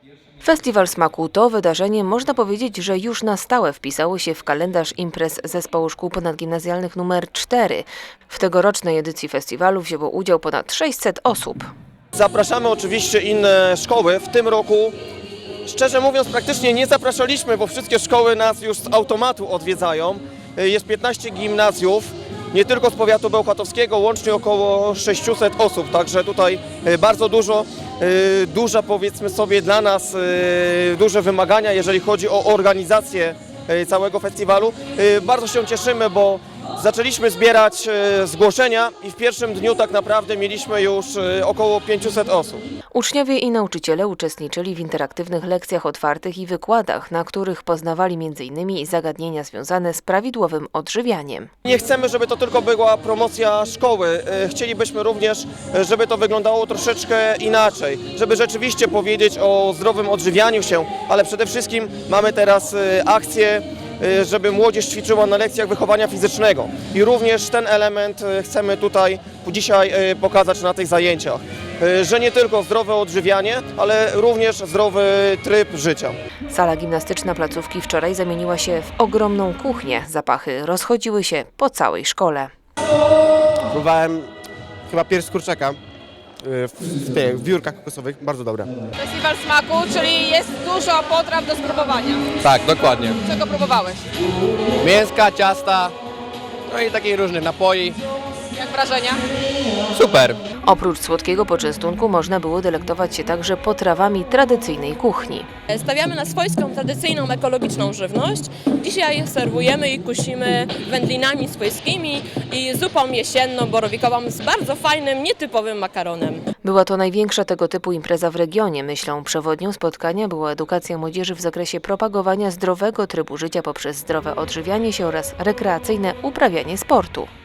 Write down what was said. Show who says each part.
Speaker 1: Festiwal Smaku to wydarzenie, można powiedzieć, że już na stałe wpisało się w kalendarz imprez Zespołu Szkół Ponadgimnazjalnych nr 4. W tegorocznej edycji festiwalu wzięło udział ponad 600 osób.
Speaker 2: Zapraszamy oczywiście inne szkoły. W tym roku, szczerze mówiąc, praktycznie nie zapraszaliśmy, bo wszystkie szkoły nas już z automatu odwiedzają. Jest 15 gimnazjów, nie tylko z powiatu bełchatowskiego, łącznie około 600 osób, także tutaj bardzo duża, powiedzmy sobie, dla nas duże wymagania, jeżeli chodzi o organizację całego festiwalu. Bardzo się cieszymy, bo zaczęliśmy zbierać zgłoszenia i w pierwszym dniu tak naprawdę mieliśmy już około 500 osób.
Speaker 1: Uczniowie i nauczyciele uczestniczyli w interaktywnych lekcjach otwartych i wykładach, na których poznawali m.in. zagadnienia związane z prawidłowym odżywianiem.
Speaker 2: Nie chcemy, żeby to tylko była promocja szkoły. Chcielibyśmy również, żeby to wyglądało troszeczkę inaczej, żeby rzeczywiście powiedzieć o zdrowym odżywianiu się, ale przede wszystkim mamy teraz akcję, żeby młodzież ćwiczyła na lekcjach wychowania fizycznego. I również ten element chcemy tutaj dzisiaj pokazać na tych zajęciach, że nie tylko zdrowe odżywianie, ale również zdrowy tryb życia.
Speaker 1: Sala gimnastyczna placówki wczoraj zamieniła się w ogromną kuchnię. Zapachy rozchodziły się po całej szkole.
Speaker 3: Próbowałem chyba pierś z kurczaka w biurkach kokosowych, bardzo dobre.
Speaker 4: Festiwal Smaku, czyli jest dużo potraw do spróbowania.
Speaker 5: Tak, dokładnie.
Speaker 4: Czego próbowałeś?
Speaker 5: Mięska, ciasta, no i takich różnych napoi.
Speaker 4: Jak wrażenia?
Speaker 5: Super.
Speaker 1: Oprócz słodkiego poczęstunku można było delektować się także potrawami tradycyjnej kuchni.
Speaker 6: Stawiamy na swojską, tradycyjną, ekologiczną żywność. Dzisiaj serwujemy i kusimy wędlinami swojskimi i zupą jesienną, borowikową z bardzo fajnym, nietypowym makaronem.
Speaker 1: Była to największa tego typu impreza w regionie. Myślą przewodnią spotkania była edukacja młodzieży w zakresie propagowania zdrowego trybu życia poprzez zdrowe odżywianie się oraz rekreacyjne uprawianie sportu.